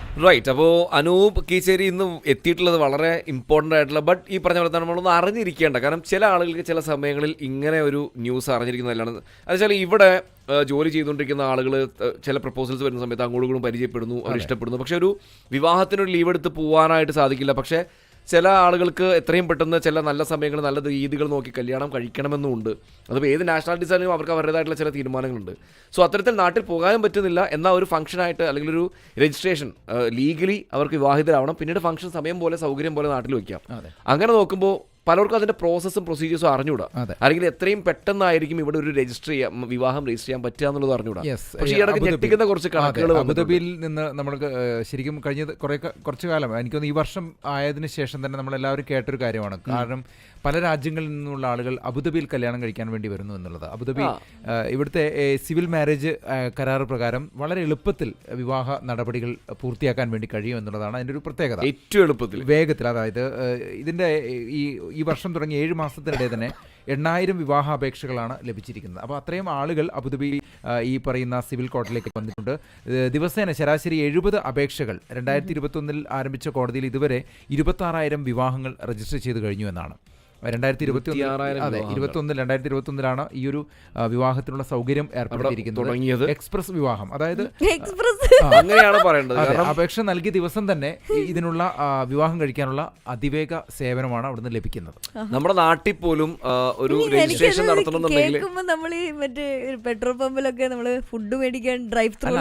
Right. അപ്പോൾ അനൂപ് കീച്ചേരി ഇന്ന് എത്തിയിട്ടുള്ളത് വളരെ ഇമ്പോർട്ടൻ്റ് ആയിട്ടുള്ള, ബട്ട് ഈ പറഞ്ഞ പോലെ തന്നെ നമ്മളൊന്ന് അറിഞ്ഞിരിക്കേണ്ട, കാരണം ചില ആളുകൾക്ക് ചില സമയങ്ങളിൽ ഇങ്ങനെ ഒരു ന്യൂസ് അറിഞ്ഞിരിക്കുന്നതല്ലാണ്. അതുവെച്ചാൽ ഇവിടെ ജോലി ചെയ്തുകൊണ്ടിരിക്കുന്ന ആളുകൾ ചില പ്രപ്പോസൽസ് വരുന്ന സമയത്ത് അങ്ങോട്ടും പരിചയപ്പെടുന്നു, അവർ ഇഷ്ടപ്പെടുന്നു. പക്ഷെ ഒരു വിവാഹത്തിനൊരു ലീവ് എടുത്ത് പോകാനായിട്ട് സാധിക്കില്ല. പക്ഷേ ചില ആളുകൾക്ക് എത്രയും പെട്ടെന്ന് ചില നല്ല സമയങ്ങൾ, നല്ല രീതികൾ നോക്കി കല്യാണം കഴിക്കണമെന്നുമുണ്ട്. അതിപ്പോൾ ഏത് നാഷണാലിറ്റീസ് ആണെങ്കിലും അവർക്ക് അവരുടേതായിട്ടുള്ള ചില തീരുമാനങ്ങളുണ്ട്. സോ അത്തരത്തിൽ നാട്ടിൽ പോകാനും പറ്റുന്നില്ല. എന്നാൽ ഒരു ഫംഗ്ഷനായിട്ട് അല്ലെങ്കിൽ ഒരു രജിസ്ട്രേഷൻ ലീഗലി അവർക്ക് വിവാഹിതരാവണം, പിന്നീട് ഫംഗ്ഷൻ സമയം പോലെ സൗകര്യം പോലെ നാട്ടിൽ വയ്ക്കാം. അങ്ങനെ നോക്കുമ്പോൾ പലർക്കും അതിൻ്റെ പ്രോസസ്സും പ്രൊസീജിയേഴ്സും അറിഞ്ഞൂടാ, അല്ലെങ്കിൽ എത്രയും പെട്ടെന്നായിരിക്കും ഇവിടെ ഒരു വിവാഹം രജിസ്റ്റർ ചെയ്യാൻ പറ്റുക എന്നുള്ളത് അറിഞ്ഞൂടാ. പക്ഷേ ഈ ഇടയ്ക്ക് ഞെട്ടിക്കുന്ന കുറച്ച് കണക്കുകൾ അബുദാബിയിൽ നിന്ന് നമ്മൾക്ക് ശരിക്കും കഴിഞ്ഞ കുറച്ചു കാലം, എനിക്കൊന്ന് ഈ വർഷം ആയതിനു ശേഷം തന്നെ നമ്മളെല്ലാവരും കേട്ടൊരു കാര്യമാണ്. കാരണം പല രാജ്യങ്ങളിൽ നിന്നുള്ള ആളുകൾ അബുദാബിയിൽ കല്യാണം കഴിക്കാൻ വേണ്ടി വരുന്നു എന്നുള്ളത്. അബുദാബി ഇവിടുത്തെ സിവിൽ മാരേജ് കരാർ പ്രകാരം വളരെ എളുപ്പത്തിൽ വിവാഹ നടപടികൾ പൂർത്തിയാക്കാൻ വേണ്ടി കഴിയും എന്നുള്ളതാണ് അതിൻ്റെ ഒരു പ്രത്യേകത. ഏറ്റവും എളുപ്പത്തിൽ, വേഗത്തിൽ. അതായത് ഇതിൻ്റെ ഈ വർഷം തുടങ്ങി 7 മാസത്തിനിടെ തന്നെ 8,000 വിവാഹാപേക്ഷകളാണ് ലഭിച്ചിരിക്കുന്നത്. അപ്പോൾ അത്രയും ആളുകൾ അബുദാബി ഈ പറയുന്ന സിവിൽ കോർട്ടിലേക്ക് വന്നിട്ടുണ്ട്. ദിവസേന ശരാശരി 70 അപേക്ഷകൾ 2021 ആരംഭിച്ച കോടതിയിൽ ഇതുവരെ 26,000 വിവാഹങ്ങൾ രജിസ്റ്റർ ചെയ്ത് കഴിഞ്ഞു എന്നാണ്. 2021 ഈ ഒരു വിവാഹത്തിനുള്ള സൗകര്യം ഏർപ്പെടുത്തിയിരിക്കുന്നത്. എക്സ്പ്രസ് വിവാഹം, അതായത് അങ്ങനെയാണ് പറയേണ്ടത്. അപേക്ഷ നൽകിയ ദിവസം തന്നെ ഇതിനുള്ള വിവാഹം കഴിക്കാനുള്ള അതിവേഗ സേവനമാണ് അവിടുന്ന് ലഭിക്കുന്നത്. നമ്മുടെ നാട്ടിൽ പോലും ഒരു രജിസ്ട്രേഷൻ നടത്തണമെന്നുണ്ടെങ്കിൽ നമ്മൾ ഈ മറ്റേ പെട്രോൾ പമ്പിലൊക്കെ നമ്മള് ഫുഡ് മേടിക്കാൻ ഡ്രൈവ് ത്രൂ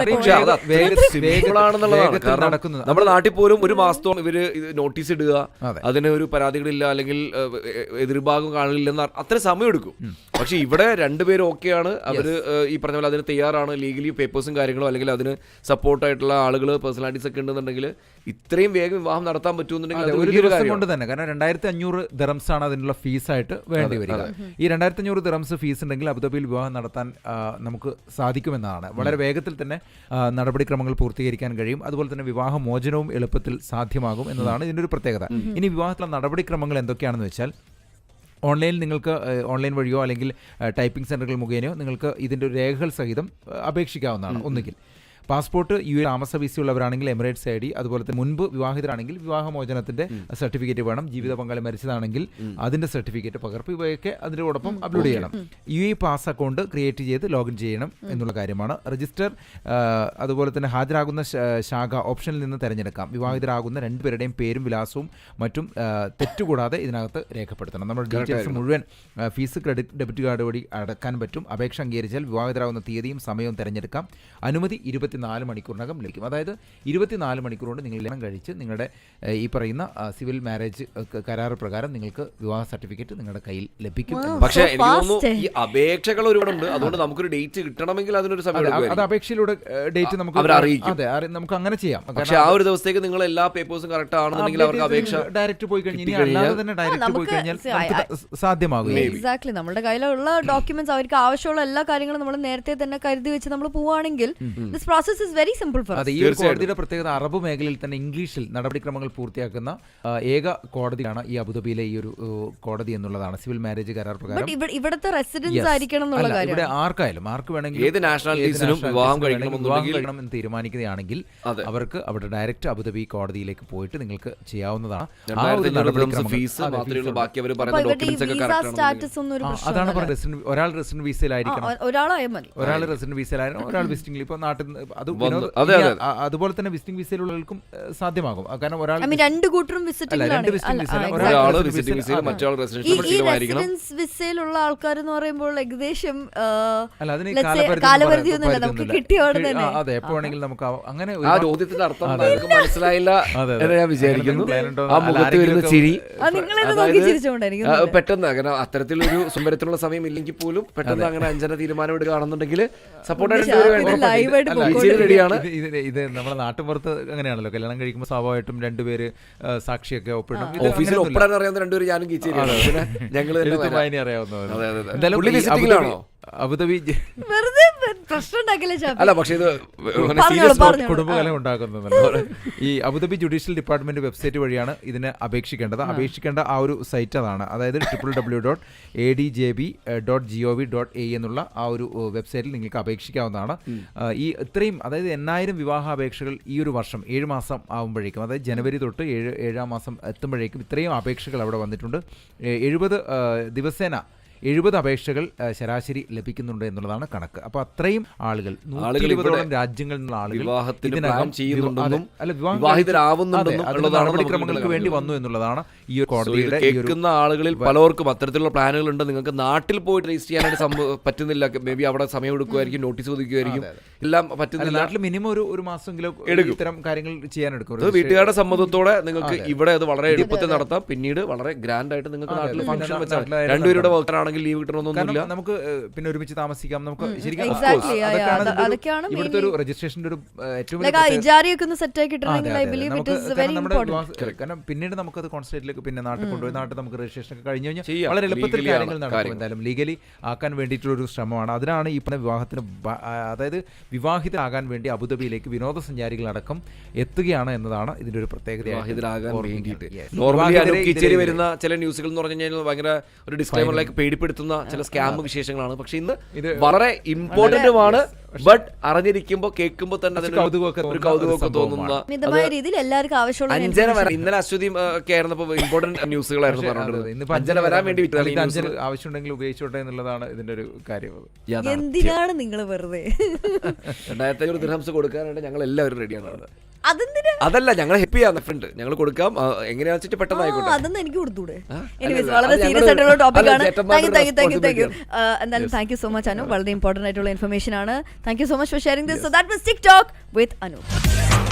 നടക്കുന്നത്. നമ്മുടെ നാട്ടിൽ പോലും ഒരു മാസത്തോളം ഇവര് നോട്ടീസ് ഇടുക, അതിന് ഒരു പരാതികളില്ല അല്ലെങ്കിൽ എതിർഭാഗം കാണില്ലെന്ന് അത്ര സമയം എടുക്കും. പക്ഷെ ഇവിടെ രണ്ടുപേരും ഓക്കെയാണ്, അവര് ഈ പറഞ്ഞ പോലെ അതിന് തയ്യാറാണ്, ലീഗലി പേപ്പേഴ്സും കാര്യങ്ങളും അല്ലെങ്കിൽ അതിന് സപ്പോർട്ടായിട്ടുള്ള ആളുകൾ പേഴ്സണാലിറ്റീസ് ഒക്കെ ഉണ്ടെന്നുണ്ടെങ്കിൽ ഇത്രയും വേഗം വിവാഹം നടത്താൻ പറ്റുമെന്നുണ്ടെങ്കിൽ ഒരു ദിവസം കൊണ്ട് തന്നെ. കാരണം 2,500 ദിറംസ് ആണ് അതിനുള്ള ഫീസായിട്ട് വേണ്ടി വരിക. ഈ 2,500 ദിറംസ് ഫീസ് ഉണ്ടെങ്കിൽ അബുദാബിയിൽ വിവാഹം നടത്താൻ നമുക്ക് സാധിക്കുമെന്നാണ്. വളരെ വേഗത്തിൽ തന്നെ നടപടിക്രമങ്ങൾ പൂർത്തീകരിക്കാൻ കഴിയും. അതുപോലെ തന്നെ വിവാഹ മോചനവും എളുപ്പത്തിൽ സാധ്യമാകും എന്നതാണ് ഇതിൻ്റെ ഒരു പ്രത്യേകത. ഇനി വിവാഹത്തിലുള്ള നടപടിക്രമങ്ങൾ എന്തൊക്കെയാണെന്ന് വെച്ചാൽ, ഓൺലൈനിൽ നിങ്ങൾക്ക് ഓൺലൈൻ വഴിയോ അല്ലെങ്കിൽ ടൈപ്പിംഗ് സെൻ്ററുകൾ മുഖേനയോ നിങ്ങൾക്ക് ഇതിൻ്റെ ഒരു രേഖകൾ സഹിതം അപേക്ഷിക്കാവുന്നതാണ്. ഒന്നുകിൽ പാസ്പോർട്ട്, യു എ താമസ വിസയുള്ളവരാണെങ്കിൽ എമിറേറ്റ്സ് ID, അതുപോലെ തന്നെ മുൻപ് വിവാഹിതരാണെങ്കിൽ വിവാഹമോചനത്തിൻ്റെ സർട്ടിഫിക്കറ്റ് വേണം. ജീവിത പങ്കാളി മരിച്ചതാണെങ്കിൽ അതിൻ്റെ സർട്ടിഫിക്കറ്റ് പകർപ്പ് ഇവയൊക്കെ അതിനോടൊപ്പം അപ്ലോഡ് ചെയ്യണം. UAE പാസ് അക്കൗണ്ട് ക്രിയേറ്റ് ചെയ്ത് ലോഗിൻ ചെയ്യണം എന്നുള്ള കാര്യമാണ്. രജിസ്റ്റർ, അതുപോലെ തന്നെ ഹാജരാകുന്ന ശാഖ ഓപ്ഷനിൽ നിന്ന് തിരഞ്ഞെടുക്കാം. വിവാഹിതരാകുന്ന രണ്ടുപേരുടെയും പേരും വിലാസവും മറ്റും തെറ്റുകൂടാതെ ഇതിനകത്ത് രേഖപ്പെടുത്തണം. നമ്മുടെ ഡീറ്റെയിൽസ് മുഴുവൻ ഫീസ്, ക്രെഡിറ്റ്, ഡെബിറ്റ് കാർഡ് വഴി അടക്കാൻ പറ്റും. അപേക്ഷ അംഗീകരിച്ചാൽ വിവാഹിതരാകുന്ന തീയതിയും സമയവും തിരഞ്ഞെടുക്കാം. അനുമതി 24 മണിക്കൂറിനകം ലഭിക്കും. അതായത് 24 മണിക്കൂർ കൊണ്ട് നിങ്ങൾ കല്യാണം കഴിച്ച് നിങ്ങളുടെ ഈ പറയുന്ന സിവിൽ മാരേജ് കരാർ പ്രകാരം നിങ്ങൾക്ക് വിവാഹ സർട്ടിഫിക്കറ്റ് നിങ്ങളുടെ കയ്യിൽ ലഭിക്കും. പക്ഷേ എനിക്ക് തോന്നുന്നു ഈ അപേക്ഷകൾ ഒരുപാടുണ്ട്, അതുകൊണ്ട് നമുക്കൊരു ഡേറ്റ് കിട്ടണമെങ്കിൽ അതിനൊരു സമയം, അത് അപേക്ഷയിലൂടെ ഡേറ്റ് നമുക്ക് നമുക്ക് അങ്ങനെ ചെയ്യാം. പക്ഷേ ആ ഒരു ദിവസത്തേക്ക് നിങ്ങൾ എല്ലാ പേപ്പേഴ്സും കറക്റ്റ് ആണെന്നുണ്ടെങ്കിൽ അവർക്ക് അപേക്ഷ ഡയറക്റ്റ് പോയി കഴിഞ്ഞാൽ, അല്ലാതെ തന്നെ ഡയറക്റ്റ് പോയി കഴിഞ്ഞാൽ സാധ്യമാകും. എക്സാക്ട്ലി, നമ്മുടെ കയ്യിലുള്ള ഡോക്യുമെന്റ്സ്, അവർക്ക് ആവശ്യമുള്ള എല്ലാ കാര്യങ്ങളും നമ്മൾ നേരത്തെ തന്നെ കരുതി വെച്ച് നമ്മൾ പോവുകയാണെങ്കിൽ process is very simple for us. ഈ കോടതിയുടെ പ്രത്യേകത അറബ് മേഖലയിൽ തന്നെ ഇംഗ്ലീഷിൽ നടപടിക്രമങ്ങൾ പൂർത്തിയാക്കുന്ന ഏക കോടതിയാണ് ഈ അബുദാബിയിലെ ഈ ഒരു കോടതി എന്നുള്ളതാണ്. സിവിൽ മാരേജ് കരാർ പ്രകാരം ഇവിടുത്തെ റെസിഡൻസ് ആയിരിക്കണം എന്നുള്ള കാര്യം. ഇവിടെ ആർക്കായാലും ആർക്ക് വേണമെങ്കിലും ഏത് നാഷണാലിറ്റീസിനും വിവാഹം കഴിക്കണം എന്ന് തീരുമാനിക്കുകയാണെങ്കിൽ അവർക്ക് അവിടെ ഡയറക്റ്റ് അബുദാബി കോടതിയിലേക്ക് പോയിട്ട് നിങ്ങൾക്ക് ചെയ്യാവുന്നതാണ്. അതാണ് പറയുന്നത്. ഒരാൾ റെസിഡന്റ് വിസയിലായിരിക്കണം, ഒരാൾ റെസിഡന്റ് വിസയിലായിരുന്നു, ഒരാൾ വിസിറ്റിംഗിൽ. ഇപ്പൊ നാട്ടിൽ അതുപോലെ തന്നെ വിസിറ്റിംഗ് വിസയിലുള്ളവർക്കും സാധ്യമാകും. കാരണം രണ്ട് കൂട്ടരും വിസയിലുള്ള ആൾക്കാർ എന്ന് പറയുമ്പോൾ ഏകദേശം കാലപരിധി ഒന്നുമില്ല, നമുക്ക് കിട്ടിയോടെ തന്നെ. അതെ, എപ്പോ വേണമെങ്കിലും നമുക്ക് അങ്ങനെ. ആ ചോദ്യത്തിന്റെ അർത്ഥം മനസ്സിലായില്ല എന്ന് ഞാൻ വിചാരിക്കുന്നു. ആ മുഖത്ത് വരുന്ന ചിരി പെട്ടെന്ന്, അങ്ങനെ അത്തരത്തിലൊരു സുന്ദരത്തിലുള്ള സമയം ഇല്ലെങ്കിൽ പോലും പെട്ടെന്ന് അങ്ങനെ 5 തീരുമാനം എടുക്കുകയാണെന്നുണ്ടെങ്കിൽ സപ്പോർട്ടായിട്ട് റെഡിയാണ്. ഇത് നമ്മുടെ നാട്ടുപുറത്ത് അങ്ങനെയാണല്ലോ, കല്യാണം കഴിക്കുമ്പോൾ സ്വാഭാവികമായിട്ടും രണ്ടുപേര് സാക്ഷിയൊക്കെ ഒപ്പിടും. ഓഫീസിൽ ഒപ്പിടാൻ അറിയാവുന്ന രണ്ടുപേര് ഞാനും ഞങ്ങൾ അറിയാവുന്നവരാണ്. അബുദാബി പ്രശ്നം ഉണ്ടാക്കില്ലേ ഷാഫി? അല്ല പക്ഷേ ഇത് പറഞ്ഞോളൂ, പറഞ്ഞോളൂ. കുടുംബകലം ഉണ്ടാക്കുന്നത് ഈ അബുദാബി ജുഡീഷ്യൽ ഡിപ്പാർട്ട്മെന്റ് വെബ്സൈറ്റ് വഴിയാണ് ഇതിന് അപേക്ഷിക്കേണ്ടത്. അപേക്ഷിക്കേണ്ട ആ ഒരു സൈറ്റ് അതാണ്, അതായത് www.adjb.gov.a എന്നുള്ള ആ ഒരു വെബ്സൈറ്റിൽ നിങ്ങൾക്ക് അപേക്ഷിക്കാവുന്നതാണ്. ഈ ഇത്രയും, അതായത് 8000 വിവാഹാപേക്ഷകൾ ഈ ഒരു വർഷം 7 മാസം ആകുമ്പോഴേക്കും, അതായത് ജനുവരി തൊട്ട് 7-ാം മാസം എത്തുമ്പോഴേക്കും ഇത്രയും അപേക്ഷകൾ അവിടെ വന്നിട്ടുണ്ട്. 70 ദിവസേന 70 അപേക്ഷകൾ ശരാശരി ലഭിക്കുന്നുണ്ട് എന്നുള്ളതാണ് കണക്ക്. അപ്പൊ അത്രയും ആളുകൾ 120ഓളം രാജ്യങ്ങളിൽ നിന്നുള്ള ആളുകൾ നടപടിക്രമങ്ങൾക്ക് വേണ്ടി വന്നു എന്നുള്ളതാണ് ഈ ഒരു കോടതിയുടെ. കേൾക്കുന്ന ആളുകളിൽ പലർക്കും അത്തരത്തിലുള്ള പ്ലാനുകൾ ഉണ്ട്. നിങ്ങൾക്ക് നാട്ടിൽ പോയിട്ട് രജിസ്റ്റർ ചെയ്യാനായിട്ട് പറ്റുന്നില്ല, മേ ബി അവിടെ സമയം എടുക്കുമായിരിക്കും, നോട്ടീസ് ഒതുക്കുമായിരിക്കും, എല്ലാം പറ്റുന്നില്ല. നാട്ടിൽ മിനിമം ഒരു മാസമെങ്കിലും ഇത്തരം കാര്യങ്ങൾ ചെയ്യാനെടുക്കും. വീട്ടുകാരുടെ സമ്മതത്തോടെ നിങ്ങൾക്ക് ഇവിടെ അത് വളരെ എളുപ്പത്തിൽ നടത്താം. പിന്നീട് വളരെ ഗ്രാൻഡ് ആയിട്ട് നിങ്ങൾക്ക് നാട്ടിൽ ഫംഗ്ഷൻ വെച്ചാൽ രണ്ടുപേരുടെ വർക്കറാണെങ്കിൽ ലീവ് കിട്ടണമെന്നൊന്നുമില്ല. നമുക്ക് പിന്നെ ഒരുമിച്ച് താമസിക്കാം. നമുക്ക് ശരിക്കും ഇവിടുത്തെ ഒരു രജിസ്ട്രേഷന്റെ ഒരു ഏറ്റവും കാരണം പിന്നീട് നമുക്കത് കോൺസുലേറ്റിലേക്ക് പിന്നെ നാട്ടിൽ കൊണ്ടുപോയി നാട്ടിൽ നമുക്ക് രജിസ്ട്രേഷൻ ഒക്കെ കഴിഞ്ഞു കഴിഞ്ഞാൽ വളരെ എളുപ്പത്തിൽ കാര്യങ്ങൾ നടക്കും. എന്തായാലും ലീഗലി ആക്കാൻ വേണ്ടിയിട്ടുള്ള ഒരു ശ്രമമാണ്. അതിനാണ് ഈ വിവാഹത്തിന്, അതായത് വിവാഹിതരാകാൻ വേണ്ടി അബുദാബിയിലേക്ക് വിനോദസഞ്ചാരികളടക്കം എത്തുകയാണ് എന്നതാണ് ഇതിന്റെ ഒരു പ്രത്യേകത. വരുന്ന ചില ന്യൂസുകൾ എന്ന് പറഞ്ഞു കഴിഞ്ഞാൽ ഭയങ്കര ഒരു ഡിസ്ക്ലൈമറിലേക്ക് പേടിപ്പെടുത്തുന്ന ചില സ്കാം വിശേഷങ്ങളാണ്. പക്ഷെ ഇന്ന് വളരെ ഇമ്പോർട്ടന്റുമാണ്. ബട്ട് അറിഞ്ഞിരിക്കുമ്പോ കേൾക്കുമ്പോൾ തന്നെ ഒരു കൗതുകമൊക്കെ തോന്നുന്ന രീതിയിൽ എല്ലാവർക്കും ആവശ്യമുള്ള 5:30 വരെ. ഇന്നലെ അശ്വതി ഒക്കെ ആയിരുന്നപ്പോ ഇമ്പോർട്ടന്റ് ന്യൂസുകളായിരുന്നു പറഞ്ഞിട്ടുള്ളത്. ഇന്നിപ്പോ 5:30 വരാൻ വേണ്ടി ആവശ്യമുണ്ടെങ്കിൽ ഉപയോഗിച്ചോട്ടെ എന്നുള്ളതാണ് ഇതിന്റെ ഒരു കാര്യം. എന്തിനാണ് നിങ്ങൾ വെറുതെ 2500 ദിർഹംസ് കൊടുക്കാനായിട്ട് ഞങ്ങൾ എല്ലാവരും റെഡിയാണ്. അതല്ല, ഞങ്ങൾ ഹാപ്പി ആണ് ഫ്രണ്ട്, ഞങ്ങൾ കൊടുക്കാം. എങ്ങനെയാണെന്ന് വെച്ചിട്ട് പെട്ടെന്ന് ആയിക്കോട്ടെ. അതൊന്നും എനിക്ക് കൊടുത്തൂടെ. വളരെ സീരിയസ് ആയിട്ടുള്ള ടോപ്പിക്കാണ്. എന്തായാലും thank you so much Anu. വളരെ ഇമ്പോർട്ടന്റ് ആയിട്ടുള്ള ഇൻഫർമേഷൻ ആണ്. Thank you so much for sharing this. So that was TikTok with Anu.